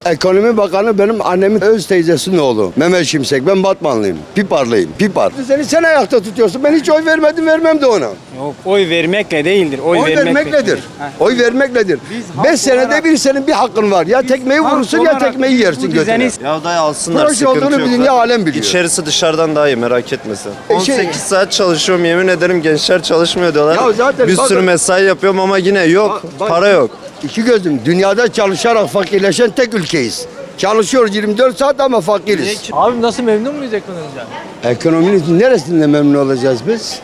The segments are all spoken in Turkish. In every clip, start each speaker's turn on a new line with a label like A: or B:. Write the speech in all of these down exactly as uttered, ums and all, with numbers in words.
A: Ekonomi Bakanı benim annemin öz teyzesinin oğlu. Mehmet Şimşek. Ben Batmanlıyım. Piparlıyım. Pipar. Seni sen ayakta tutuyorsun. Ben hiç oy vermedim, vermem de ona.
B: Yok, oy vermekle değildir. Oy,
A: Oy
B: vermekle
A: vermek nedir?
B: Heh.
A: Oy vermek nedir?
B: halk
A: Beş senede
B: olarak-
A: bir senin bir hakkın var. Ya tekmeyi
B: halk
A: vurursun ya
B: olarak
A: tekmeyi
B: bu
A: yersin
B: düzeni-
A: götüne.
C: Ya dayı alsınlar,
A: Proje
C: sıkıntı
A: olduğunu
C: yok.
A: bir dünya alem biliyor.
C: İçerisi dışarıdan daha iyi, merak etme sen.
A: E şey-
C: on sekiz saat çalışıyorum, yemin ederim gençler çalışmıyor diyorlar.
A: Ya zaten
C: bir
A: bakın-
C: sürü mesai yapıyorum ama yine yok,
A: Bak- bak-
C: para yok.
A: İki gözüm. Dünyada çalışarak fakirleşen tek ülkeyiz. Çalışıyoruz yirmi dört saat ama fakiriz.
D: Abi nasıl memnun muyuz ekonomiden?
A: Ekonominin neresinde memnun olacağız biz?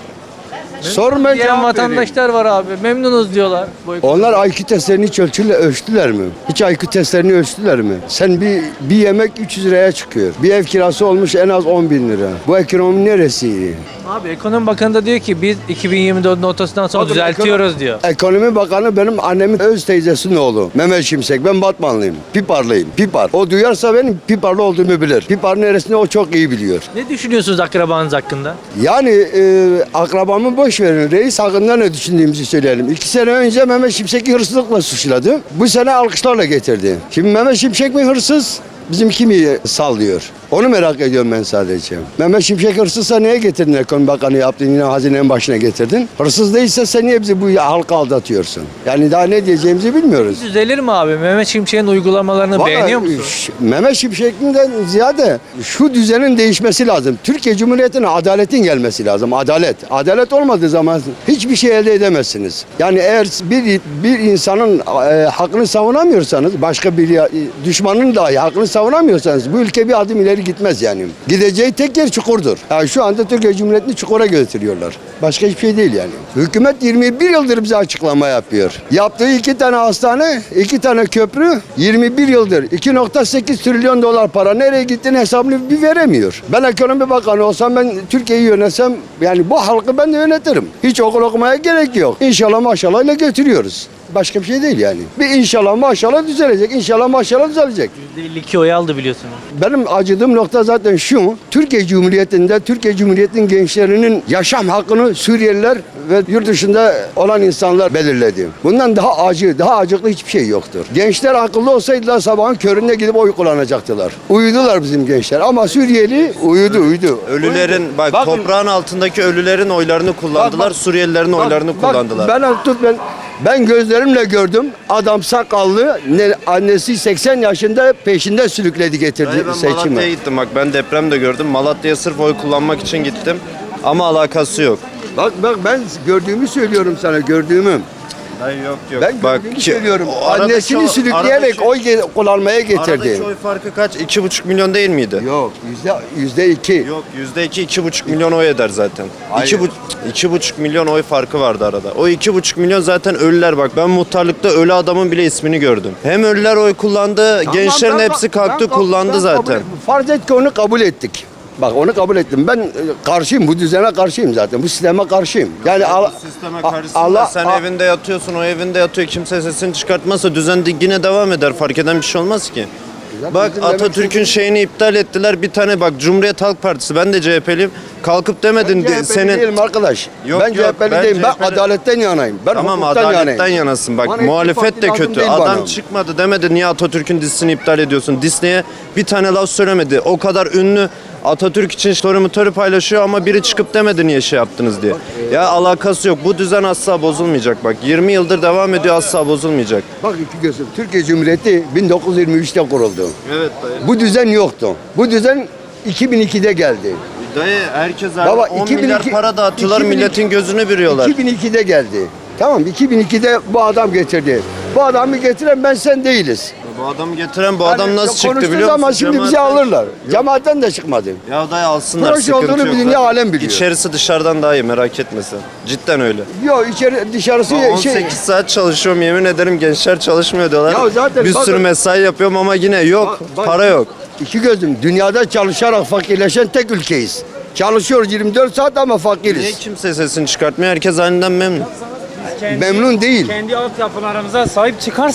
A: Sorun ben
D: Diyen
A: cevap vereyim.
D: vatandaşlar var abi. Memnunuz diyorlar. Bu ekonomi-
A: Onlar I Q testlerini hiç ölçüle, ölçtüler mi? Hiç I Q testlerini ölçtüler mi? Sen bir bir yemek üç yüz liraya çıkıyor. Bir ev kirası olmuş en az on bin lira. Bu ekonomi neresi?
D: Abi ekonomi bakanı da diyor ki biz iki bin yirmi dördün ortasından sonra
A: Bakın,
D: düzeltiyoruz
A: ekonomi-
D: diyor.
A: Ekonomi Bakanı benim annemin öz teyzesinin oğlu. Mehmet Şimşek. Ben Batmanlıyım. Piparlıyım. Pipar. O duyarsa benim Piparlı olduğumu bilir. Pipar neresinde o çok iyi biliyor.
D: Ne düşünüyorsunuz akrabanız hakkında?
A: Yani e, akrabamı boş verin. Reis hakkında ne düşündüğümüzü söyleyelim. İki sene önce Mehmet Şimşek'i hırsızlıkla suçladı. Bu sene alkışlarla getirdi. Şimdi Mehmet Şimşek mi hırsız? Bizim kimi sallıyor? Onu merak ediyorum ben sadece. Mehmet Şimşek hırsızsa niye getirdin ekonomi bakanı yaptın yine hazinenin başına getirdin? Hırsız değilse sen niye bizi bu halka aldatıyorsun? Yani daha ne diyeceğimizi bilmiyoruz.
D: Düzelir mi abi? Mehmet Şimşek'in uygulamalarını
A: Vallahi,
D: beğeniyor musun?
A: ş- Mehmet Şimşek'ten ziyade şu düzenin değişmesi lazım. Türkiye Cumhuriyeti'ne adaletin gelmesi lazım. Adalet. Adalet olmadığı zaman hiçbir şey elde edemezsiniz. Yani eğer bir bir insanın e, hakkını savunamıyorsanız, başka bir ya- düşmanın dahi hakkını savunamıyorsanız bu ülke bir adım ileri gitmez yani. Gideceği tek yer çukurdur. Yani şu anda Türkiye Cumhuriyeti'ni çukura götürüyorlar. Başka hiçbir şey değil yani. Hükümet yirmi bir yıldır bize açıklama yapıyor. Yaptığı iki tane hastane, iki tane köprü yirmi bir yıldır iki virgül sekiz trilyon dolar para nereye gittiğini hesabını bir veremiyor. Ben ekonomi bakanı olsam ben Türkiye'yi yönetsem yani bu halkı ben de yönetirim. Hiç okul okumaya gerek yok. İnşallah maşallah ile götürüyoruz. Başka bir şey değil yani. Bir inşallah maşallah düzelecek. İnşallah maşallah düzelecek.
D: yüzde elli iki oy aldı biliyorsunuz.
A: Benim acıdığım nokta zaten şu. Türkiye Cumhuriyeti'nde Türkiye Cumhuriyeti'nin gençlerinin yaşam hakkını Suriyeliler ve yurt dışında olan insanlar belirledi. Bundan daha acı, daha acıklı hiçbir şey yoktur. Gençler akıllı olsaydılar sabahın köründe gidip oy kullanacaktılar. Uyudular bizim gençler ama Suriyeli uyudu uyudu.
C: Ölülerin, bak
A: Bakın-
C: toprağın altındaki ölülerin oylarını kullandılar,
A: Bak, bak.
C: Suriyelilerin
A: Bak,
C: oylarını
A: bak,
C: kullandılar.
A: Ben tut ben ben gözlerimle gördüm. Adam sakallı, ne, annesi seksen yaşında peşinde sürükledi getirdi
C: Dayı ben
A: seçime.
C: Malatya'ya gittim, bak ben deprem de gördüm. Malatya'ya sırf oy kullanmak için gittim ama alakası yok.
A: Bak bak ben gördüğümü söylüyorum sana gördüğümü.
C: Hayır yok yok.
A: Ben
C: bak
A: gördüğümü
C: ki-
A: söylüyorum.
C: o aradaki
A: Annesini
C: o-
A: sürükleyerek
C: aradaki-
A: oy ge- kullanmaya getirdi.
C: Aradaki oy farkı kaç? iki buçuk milyon değil miydi?
A: Yok yüzde yüzde iki.
C: Yok yüzde iki, iki buçuk milyon oy eder zaten.
A: Hayır.
C: İki, bu, iki buçuk milyon oy farkı vardı arada. O iki buçuk milyon zaten ölüler bak. Ben muhtarlıkta ölü adamın bile ismini gördüm. Hem ölüler oy kullandı, gençlerin
A: Tamam, ben-
C: hepsi kalktı
A: ben- ben
C: kullandı
A: kabul-
C: zaten.
A: Farz et ki onu kabul ettik. Bak onu kabul ettim. Ben e, karşıyım. Bu düzene karşıyım zaten. Bu sisteme karşıyım. Yani al-
C: Bu sisteme
A: A-
C: karşısında
A: Allah-
C: sen
A: A-
C: evinde yatıyorsun, o evinde yatıyor. Kimse sesini çıkartmazsa düzen de yine devam eder. Fark eden bir şey olmaz ki.
A: Zaten
C: Bak
A: bizim demek
C: Atatürk'ün
A: istediğimiz-
C: şeyini iptal ettiler. Bir tane bak Cumhuriyet Halk Partisi, ben de C H P'liyim. Kalkıp demedin
A: Ben
C: di-
A: C H P'li
C: senin
A: değilim arkadaş.
C: Yok,
A: ben
C: yok,
A: C H P'li
C: ben
A: değilim. Ben
C: C H P'li
A: adaletten yanayım. Ben
C: Tamam
A: hukuktan
C: adaletten
A: yanayım.
C: yanasın. Bak
A: Bana hiçbir
C: muhalefet
A: parti
C: de
A: lazım
C: kötü.
A: değil
C: Adam
A: bana.
C: çıkmadı demedi niye Atatürk'ün dizisini iptal ediyorsun. Disney'e bir tane laf söylemedi. O kadar ünlü Atatürk için story motoru paylaşıyor ama biri çıkıp demedi niye şey yaptınız diye. Ya alakası yok. Bu düzen asla bozulmayacak bak. yirmi yıldır devam ediyor, asla bozulmayacak.
A: Bak iki gözüm. Türkiye Cumhuriyeti bin dokuz yüz yirmi üçte kuruldu.
C: Evet dayı.
A: Bu düzen yoktu. Bu düzen iki bin ikide geldi.
C: Dayı herkes
A: Baba,
C: on
A: iki bin
C: milyar
A: iki
C: para dağıtıyorlar,
A: iki bin iki
C: milletin gözünü bürüyorlar.
A: iki bin ikide geldi. Tamam iki bin ikide bu adam getirdi. Bu adamı getiren ben sen değiliz.
C: Bu adamı getiren bu adam
A: Yani
C: nasıl çıktı
A: konuştuğu
C: biliyor musun?
A: zaman şimdi bizi
C: Cemaatten-
A: alırlar. Cemaatten de çıkmadı.
C: Ya dayı alsınlar,
A: Proje
C: sıkıntı
A: olduğunu
C: yok.
A: bir dünya alem biliyor.
C: İçerisi dışarıdan daha iyi, merak etme sen. Cidden öyle.
A: Yok içeri dışarısı
C: on
A: şey.
C: sekiz saat çalışıyorum, yemin ederim gençler çalışmıyor diyorlar.
A: Ya zaten
C: bir
A: bakın-
C: sürü mesai yapıyorum ama yine yok,
A: Bak- bak-
C: para yok.
A: İki gözüm. Dünyada çalışarak fakirleşen tek ülkeyiz. Çalışıyoruz yirmi dört saat ama
C: Niye
A: fakiriz.
C: kimse sesini çıkartmıyor? Herkes halinden memnun.
B: Kendi-
A: Memnun değil.
B: Kendi altyapılarımıza sahip çıkarsak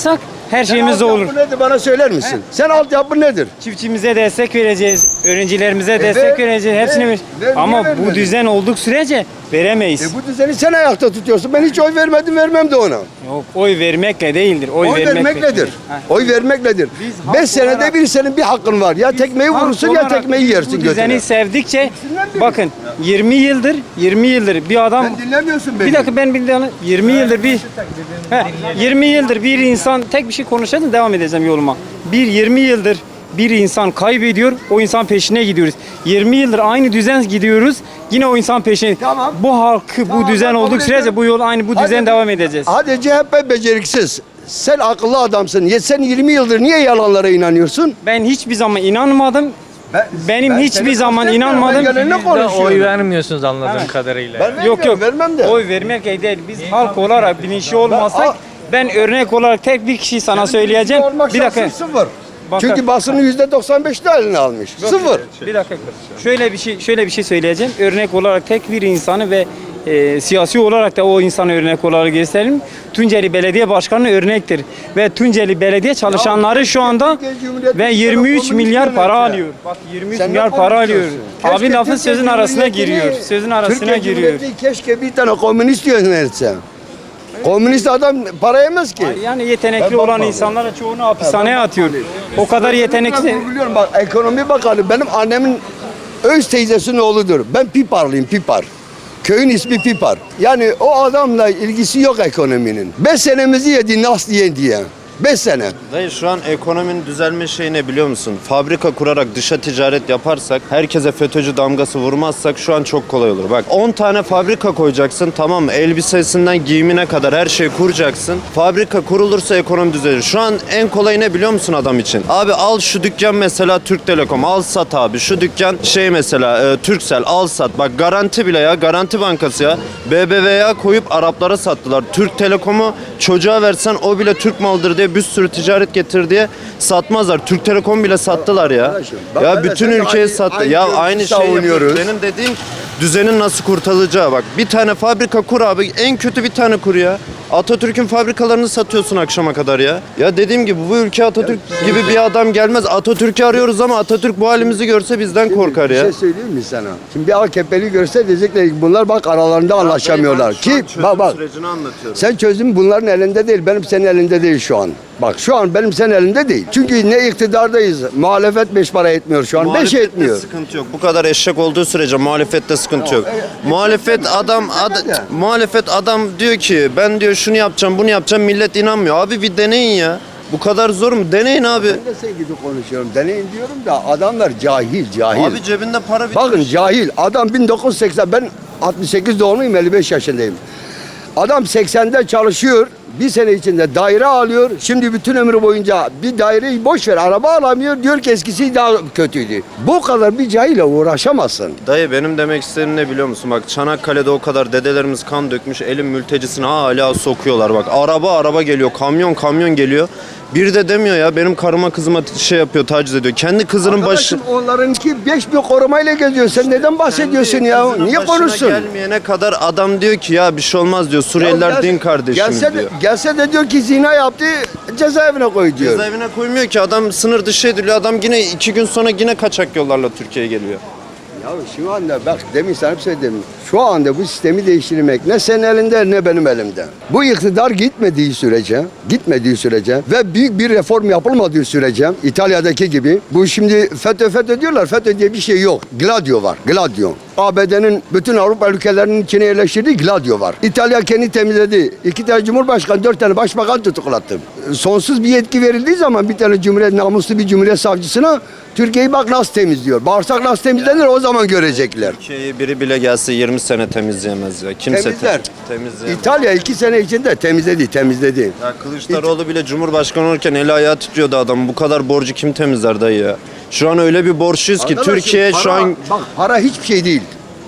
B: Her şeyimiz de
A: Sen
B: olur.
A: altyapı nedir bana söyler misin? Sen altyapı nedir?
B: Çiftçimize destek vereceğiz, öğrencilerimize
A: E
B: destek
A: ver,
B: vereceğiz,
A: ver,
B: hepsini ver.
A: ver,
B: Ama
A: niye
B: bu
A: vermedin?
B: düzen olduk sürece veremeyiz.
A: E bu düzeni sen ayakta tutuyorsun. Ben hiç oy vermedim, vermem de ona.
B: Yok, oy vermekle değildir. Oy,
A: Oy vermek nedir?
B: Ha.
A: Oy vermek nedir?
B: Biz halk
A: Beş senede
B: olarak-
A: bir senin bir hakkın var. Ya tekmeyi
B: Halk
A: vurursun ya
B: olarak
A: tekmeyi
B: biz
A: yersin
B: Bu düzeni
A: götüne.
B: sevdikçe
A: biri.
B: bakın yirmi yıldır yirmi yıldır bir adam
A: Sen dinlemiyorsun beni.
B: bir dakika ben bir tane yirmi yıldır bir He, yirmi yıldır bir insan tek bir şey konuşacağım devam edeceğim yoluma. Bir yirmi yıldır bir insan kaybediyor, o insan peşine gidiyoruz. yirmi yıldır aynı düzen gidiyoruz, yine o insan peşine.
A: Tamam.
B: Bu halkı,
A: Tamam,
B: bu
A: ben
B: düzen
A: kabul
B: olduk sürece
A: ediyorum.
B: bu yol aynı bu
A: Hadi-
B: düzen devam edeceğiz.
A: Hadi C H P beceriksiz. Sen akıllı adamsın. Ya sen yirmi yıldır niye yalanlara inanıyorsun?
B: Ben hiçbir zaman inanmadım. Benim hiçbir zaman inanmadım.
A: Ben gelene
D: Siz de
A: konuşuyorum.
D: oy vermiyorsunuz anladığım
B: Evet.
D: kadarıyla.
A: Ben
B: Yok yok.
A: vermem de.
B: Oy vermek değil. Biz halk olarak bilinçli olmasak
A: Al-
B: ben örnek olarak tek bir kişiyi sana söyleyeceğim.
A: Olmak
B: Bir dakika.
A: şansın sıfır.
B: Bakın.
A: Çünkü basının yüzde doksan beşini eline almış. Sıfır.
B: Bir dakika. Şöyle bir şey şöyle bir şey söyleyeceğim. Örnek olarak tek bir insanı ve e, siyasi olarak da o insanı örnek olarak gösterelim. Tunceli Belediye Başkanı örnektir ve Tunceli Belediye çalışanları şu anda
A: Türkiye Cumhuriyeti
B: ve yirmi üç
A: komünist
B: milyar para
A: yönetiyor.
B: alıyor. Bak yirmi üç
A: Sen ne
B: milyar para alıyor.
A: konuşuyorsun? Keşke
B: Abi lafın
A: Türkiye
B: sözün arasına
A: Cumhuriyeti'ni-
B: giriyor. Sözün arasına
A: Türkiye
B: giriyor.
A: Cumhuriyeti keşke bir tane komünist yönetse. Komünist adam para yemez ki.
B: Yani yetenekli
A: Ben
B: olan
A: bakmadım.
B: insanlara çoğunu hapishaneye atıyor. O kadar yetenekli.
A: Ben biliyorum bak ekonomi bakanı benim annemin öz teyzesinin oğludur. Ben Piparlıyım Pipar. Köyün ismi Pipar. Yani o adamla ilgisi yok ekonominin. Beş senemizi yedi nasıl diye diye. Beş sene.
C: Dayı şu an ekonominin düzelme şeyi ne biliyor musun? Fabrika kurarak dışa ticaret yaparsak, herkese FETÖ'cü damgası vurmazsak şu an çok kolay olur. Bak on tane fabrika koyacaksın, tamam mı? Elbisesinden giyimine kadar her şeyi kuracaksın. Fabrika kurulursa ekonomi düzelir. Şu an en kolay ne biliyor musun adam için? Abi al şu dükkan mesela Türk Telekom, al sat abi. Şu dükkan şey mesela e, Turkcell, al sat. Bak garanti bile ya, Garanti Bankası ya. B B V A koyup Araplara sattılar. Türk Telekom'u çocuğa versen o bile Türk malıdır diye bir sürü ticaret getir diye satmazlar. Türk Telekom bile sattılar ya.
A: Arkadaşım, bak
C: Ya
A: ben de
C: bütün
A: sen de
C: ülkeye
A: aynı-
C: sattı.
A: aynı
C: Ya
A: görüşü
C: aynı şeyi
A: savunuyoruz.
C: yapıyoruz. Benim dediğim düzenin nasıl kurtarılacağı bak. Bir tane fabrika kur abi. En kötü bir tane kur ya. Atatürk'ün fabrikalarını satıyorsun akşama kadar ya. Ya dediğim gibi bu ülke Atatürk gibi bir adam gelmez. Atatürk'ü arıyoruz ama Atatürk bu halimizi görse bizden korkar
A: Bir
C: ya.
A: şey söyleyeyim mi sana? Şimdi bir A K P'li görse diyecekler ki bunlar bak aralarında anlaşamıyorlar. Ki bak bak.
C: Sürecini anlatıyorum.
A: Sen çözüm bunların elinde değil, benim senin elinde değil şu an. Bak şu an benim senin elinde değil. Çünkü ne iktidardayız, muhalefet beş para etmiyor şu an, beş
C: Muhalefette
A: etmiyor.
C: sıkıntı yok. Bu kadar eşek olduğu sürece muhalefette sıkıntı yok. Muhalefet adam ad,
A: de.
C: muhalefet adam diyor ki ben diyor şunu yapacağım, bunu yapacağım. Millet inanmıyor. Abi bir deneyin ya. Bu kadar zor mu? Deneyin abi.
A: Ben de sen gibi konuşuyorum, deneyin diyorum da adamlar cahil, cahil.
C: Abi cebinde para bitmiş.
A: Bakın cahil, adam bin dokuz yüz seksen, ben altmış sekiz doğumluyum, elli beş yaşındayım. Adam seksende çalışıyor, bir sene içinde daire alıyor. Şimdi bütün ömrü boyunca bir daireyi boş ver, araba alamıyor. Diyor ki eskisi daha kötüydü. Bu kadar bir cahille uğraşamazsın.
C: Dayı benim demek istediğim ne biliyor musun? Bak Çanakkale'de o kadar dedelerimiz kan dökmüş. Elin mültecisini hala sokuyorlar. Bak araba araba geliyor. Kamyon kamyon geliyor. Bir de demiyor ya benim karıma kızıma şey yapıyor, taciz ediyor. Kendi kızının başı...
A: Arkadaşım onlarınki beş bir korumayla geziyor. Sen neden bahsediyorsun
C: Kendi
A: ya?
C: kızının
A: Niye
C: başına
A: konuşsun?
C: gelmeyene kadar adam diyor ki ya bir şey olmaz diyor. Suriyeliler
A: Ya
C: din
A: gelse-
C: kardeşimiz
A: gelse de,
C: diyor.
A: Gelse de diyor ki zina yaptı, cezaevine koy diyor.
C: Cezaevine koymuyor ki adam sınır dışı ediliyor. Adam yine iki gün sonra yine kaçak yollarla Türkiye'ye geliyor.
A: Ya şu anda bak demin sana bir şey demin. Şu anda bu sistemi değiştirmek ne senin elinde ne benim elimde. Bu iktidar gitmediği sürece, gitmediği sürece ve büyük bir reform yapılmadığı sürece İtalya'daki gibi bu şimdi FETÖ FETÖ diyorlar. FETÖ diye bir şey yok. Gladio var. Gladio. A B D'nin bütün Avrupa ülkelerinin içine yerleştirdiği Gladio var. İtalya kendi temizledi. İki tane cumhurbaşkanı, dört tane başbakan tutuklattı. Sonsuz bir yetki verildiği zaman bir tane cumhuriyet namuslu bir cumhuriyet savcısına Türkiye'yi bak nasıl temizliyor. Bağırsak nasıl temizlenir o zaman görecekler.
C: Türkiye'yi biri bile gelse yirmi sene temizleyemez ya. Kimse
A: Temizler.
C: te- temizleyemez.
A: İtalya iki sene içinde temizledi, temizledi.
C: Ya Kılıçdaroğlu bile Cumhurbaşkanı olurken eli ayağı titriyordu adam. Bu kadar borcu kim temizler dayı ya? Şu an öyle bir borçluyuz ki
A: Arkadaşım,
C: Türkiye şu
A: para-
C: an
A: bak para hiçbir şey değil.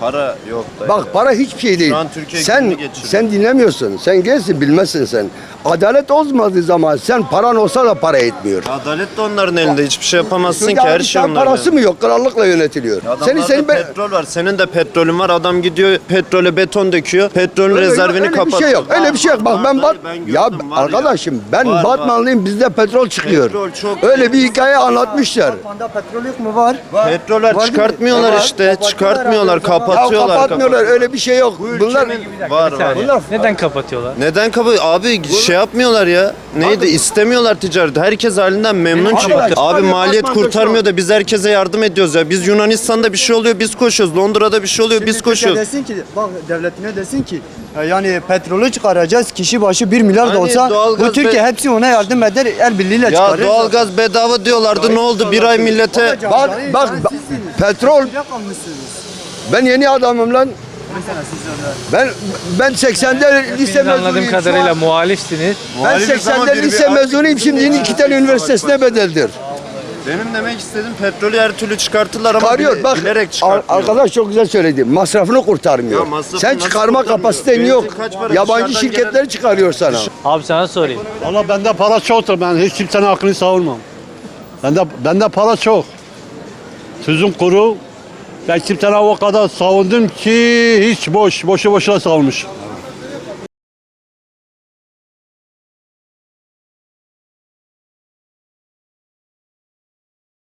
C: Para yok da.
A: Bak para hiçbir şey değil.
C: an Türkiye
A: Sen
C: gününü geçiriyor.
A: sen dinlemiyorsun. Sen gelsin bilmezsin sen. Adalet olmadığı zaman sen paran olsa da para etmiyor.
C: Adalet de onların elinde. Hiçbir şey yapamazsın
A: Çünkü
C: ki, her
A: abi
C: şey
A: sen
C: onların
A: parası
C: elinde.
A: mı yok? Krallıkla yönetiliyor.
C: Adamlarda
A: Senin senin ben
C: petrol var. Senin de petrolün var. Adam gidiyor petrole beton döküyor. Petrolün
A: öyle,
C: rezervini
A: öyle bir
C: kapatıyor.
A: şey yok. Öyle bir şey yok. Bak
C: Var,
A: ben
C: var,
A: bat
C: ben
A: ya
C: gördüm, var
A: arkadaşım ben
C: Var, var.
A: Batmanlıyım. Bizde petrol çıkıyor.
C: Petrol çok-
A: Öyle bir hikaye anlatmışlar.
E: Batman'da petrol yok mu? Var.
C: Petroller
E: Var mı?
C: çıkartmıyorlar
E: Var.
C: işte. Çıkartmıyorlar.
A: Ya
C: Kapatıyorlar.
A: kapatmıyorlar. Öyle bir şey yok. Bunlar
C: Var
D: Bir
C: var.
D: saniye. Neden kapatıyorlar?
C: Neden kapı? Abi şey yapmıyorlar ya. Neydi? İstemiyorlar ticareti. Herkes halinden memnun çünkü.
A: Arkadaş,
C: Abi
A: abi
C: maliyet
A: Batman'da
C: kurtarmıyor da biz herkese yardım ediyoruz ya. Biz Yunanistan'da bir şey oluyor biz koşuyoruz. Londra'da bir şey oluyor biz koşuyoruz.
E: Desin ki, bak devletine desin ki e, yani petrolü çıkaracağız kişi başı bir milyar da
C: Hani
E: olsa
C: doğalgaz
E: bu Türkiye
C: be-
E: hepsi ona yardım eder el birliğiyle
C: Ya
E: çıkarır.
C: doğalgaz bedava diyorlardı. Ne oldu? Bir ay millete
A: bak bak bak, petrol ben yeni adamım lan. Ben ben seksende lise
D: Siz anladığım
A: mezunuyum. şu
D: kadarıyla
A: an.
D: muhalifsiniz.
A: Ben
C: Muhalifiz ama
A: seksende
C: bir-
A: lise
C: bir-
A: mezunuyum. Şimdi yeni iki tane üniversitesine bedeldir.
C: Benim demek istediğim petrolü her türlü çıkartırlar ama
A: Çıkarıyor.
C: bile-
A: Bak
C: bilerek
A: ar-
C: çıkartmıyor.
A: arkadaş çok güzel söyledi. Masrafını kurtarmıyor.
C: Ya masrafını
A: Sen
C: nasıl
A: çıkarma
C: kurtarmıyor?
A: kapasiten
C: Benzin
A: yok.
C: kaç para?
A: Yabancı
C: Dışarıdan
A: şirketler
C: gelen-
A: çıkarıyor sana.
D: Abi sana sorayım.
F: Valla bende para çoktur. Ben hiç kimsenin hakkını savunmam. Bende, bende para çok. Tüzüm kuru. Ben kimsenin o kadar savundum ki hiç boş, boşu boşuna savunmuş.